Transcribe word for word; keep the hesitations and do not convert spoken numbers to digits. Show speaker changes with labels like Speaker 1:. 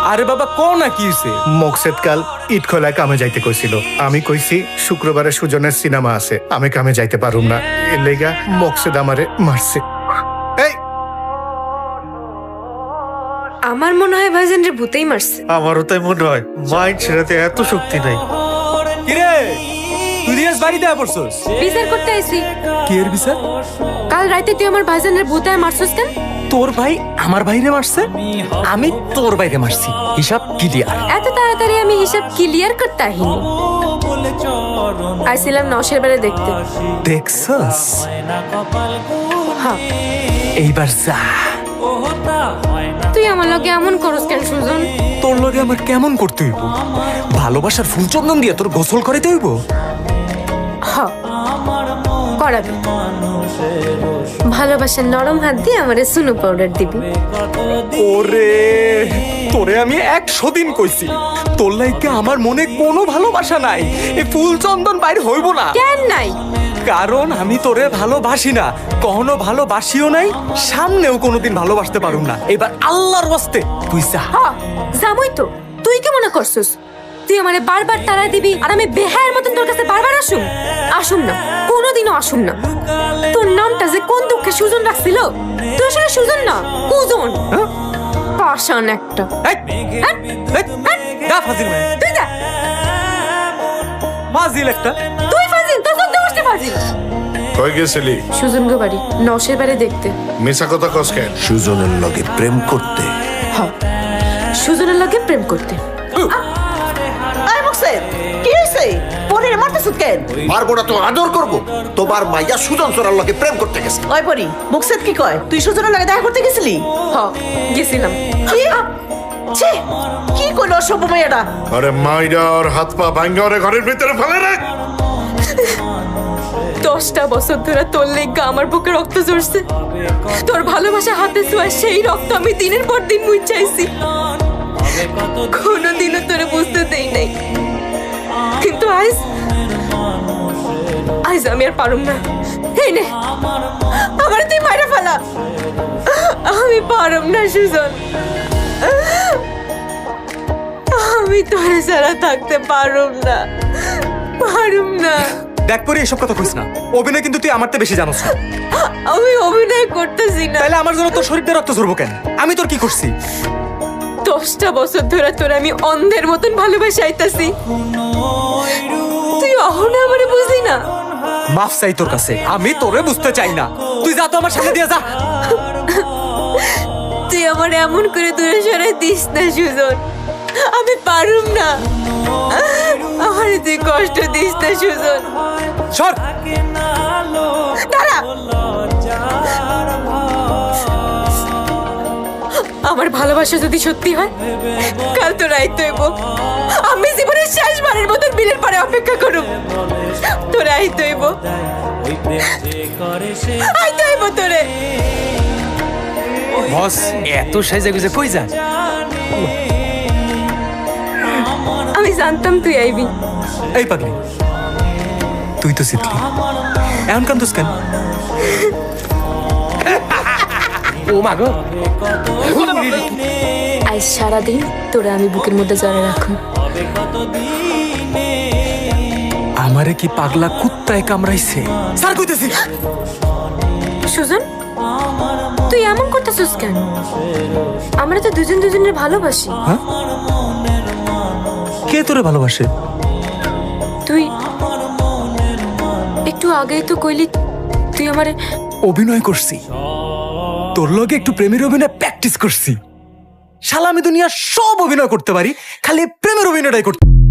Speaker 1: আরে বাবা ক না কি হইছে?
Speaker 2: মকসেদ কাল ইট খোলায় কামে যাইতে কইছিল। আমি কইছি শুক্রবারে সুজনের সিনেমা আছে, আমি কামে যাইতে পারুম না। এর লেগা মকসেদ আমারে মারছে। এই
Speaker 3: আমার মনে হয় ভাইজান রে ভূতেই মারছে।
Speaker 4: আমারও তাই মনে হয়, মাইন্ড ছেড়াতে এত শক্তি নাই।
Speaker 1: কিরে তুই রিয়াজ বাড়িতে পড়ছস?
Speaker 3: বিচার করতে আইছি।
Speaker 1: কি এর বিচার?
Speaker 3: কাল রাতে তুই আমার ভাইজানের ভূতায় মারছস কেন?
Speaker 1: তোর ভাই আমার ভাইরে মারছে, আমি তোর ভাইরে মারছি, হিসাব ক্লিয়ার।
Speaker 3: এত তাড়াতাড়ি আমি হিসাব ক্লিয়ার করতে আহিনি। আইছিলাম নশের বারে দেখতে।
Speaker 1: দেখছস?
Speaker 3: হ্যাঁ।
Speaker 1: এইবার যা।
Speaker 3: তুই আমার লগে এমন করস কেন সুজন?
Speaker 1: তোর লগে আমার কেমন করতে হইব? ভালোবাসার ফুল চন্দন দিয়ে তোর গোসল করাইতে হইব?
Speaker 3: হ্যাঁ করাবি। ভালোবাসার নরম হাত দিয়ে আমারে সুনো পাউডার দিবি।
Speaker 1: ওরে তোরে আমি একশো দিন কইছি তোর লাইকে আমার মনে কোনো ভালোবাসা নাই, এই ফুল চন্দন বাইরে হইব না।
Speaker 3: কেন নাই?
Speaker 1: কারণ আমি তোরে ভালোবাসি না, কখনো ভালোবাসিও নাই, সামনেও কোনোদিন ভালোবাসতে পারুম না। এবার আল্লাহর ওয়াস্তে তুই যা।
Speaker 3: হ্যাঁ জামই তো। তুই কি মনে করছিস তুই আমারে বারবার তাড়া দিবি আর আমি বেহায়ের মতন তোর কাছে বারবার আসুম? আসুম না, কোনোদিনও আসুম না। তোর নামটা যে কোন দুঃখে সুজন রাখছিল, তুই আসলে সুজন না, কুজন।
Speaker 1: হ্যাঁ?
Speaker 3: পাষাণ একটা।
Speaker 1: এই,
Speaker 3: হ্যাঁ?
Speaker 1: এই, যা ফাজিল মেয়ে।
Speaker 3: তুই যা।
Speaker 1: ফাজিল একটা।
Speaker 3: তুই ফাজিল, তোর সব দোষটা ফাজিল।
Speaker 5: কই গেছিলি?
Speaker 3: সুজন গো বাড়ি নশের বারে দেখতে।
Speaker 5: মিছা কথা কস কেন?
Speaker 6: সুজনের লগে প্রেম করতে।
Speaker 3: হ্যাঁ সুজনের লগে প্রেম করতে।
Speaker 7: আই মকসেদ কি হইছে? পরে মারতেছ কেন?
Speaker 6: মারবো না তো আদর করবো। তোমার মাইয়া সুজন চোরার লগে প্রেম করতে গেছে।
Speaker 7: ওই পরি মকসেদ কি কয়? তুই সুজনের লাগে দেখা করতে গেছিলি?
Speaker 3: হ্যাঁ গেছিলাম।
Speaker 7: কি? ছি, কি কইলো অসভ্য মেয়েটা?
Speaker 5: আরে মাইরা ওর হাত পা ভাঙ্গা ওরে ঘরের ভিতরে ফেলে রাখ।
Speaker 3: দশটা বছর ধরে তোর লেগা আমার বুকে রক্ত ঝরছে। তোর ভালোবাসা হাতে ছোঁয়া সেই রক্ত আমি দিনের পর দিন মুছাইছি। কোনোদিনও তোরে বুঝতে দেই নাই, কিন্তু আজ আজ আমি আর পারুম না। এই নে আমার তুই মাইরা ফেলা। আমি পারুম না সুজন, আমি তোরে ছাড়া থাকতে পারুম না, পারুম না।
Speaker 1: দেখ পরে এসব কথা কইস না, অভিনয় কিন্তু তুই আমার থেকে বেশি জানোস না।
Speaker 3: আমি অভিনয় করতেছি না।
Speaker 1: তাহলে আমার জন্য তোর শরীরটা রক্ত ঝরবো কেন? আমি তোর কি করছি?
Speaker 3: দশটা বছর ধরে তোর আমি অন্ধের মতন ভালোবাসা আইতাছি, তুই অহনা আমারে বুঝলি না।
Speaker 1: মাফ চাই তোর কাছে, আমি তোরে বুঝতে চাই না। তুই যা তো আমার সামনে দিয়ে যা।
Speaker 3: তুই আমার এমন করে দূরে সরাই দিস না সুজন, আমি পারুম না। আমার তুই কষ্ট দিস না সুজন।
Speaker 1: সর।
Speaker 3: দাঁড়া। আমার ভালোবাসা যদি সত্যি হয় কাল তো রাইতে হইব। আমি জীবনের শেষবারের মতন বিলের পরে অপেক্ষা করুম। তোরা আইতে হইব, আইতে হইব তোরে।
Speaker 1: বস এত সাইজা গুজে কই যা?
Speaker 3: আমি জানতাম তুই আইবি।
Speaker 1: এই পাগলি তুই তো জিতলি, এমন কান্দুস কেন? ও মাগো
Speaker 3: আজ সারাদিন তোরা আমি বুকের মধ্যে জড়ে রাখুন।
Speaker 1: আমারে কি পাগলা কুত্তায় কামড়াইছে? স্যার কইতেছি।
Speaker 3: সুজন তুই এমন করতেছিস কেন? আমরা তো দুজন দুজনের ভালোবাসি।
Speaker 1: হ্যাঁ? কে তোরে ভালোবাসে?
Speaker 3: তুই একটু আগেই তো কইলি তুই আমারে।
Speaker 1: অভিনয় করছি তোর লগে, একটু প্রেমের অভিনয় প্র্যাকটিস করছি। শালা আমি দুনিয়া সব অভিনয় করতে পারি, খালি প্রেমের অভিনয়টাই করতে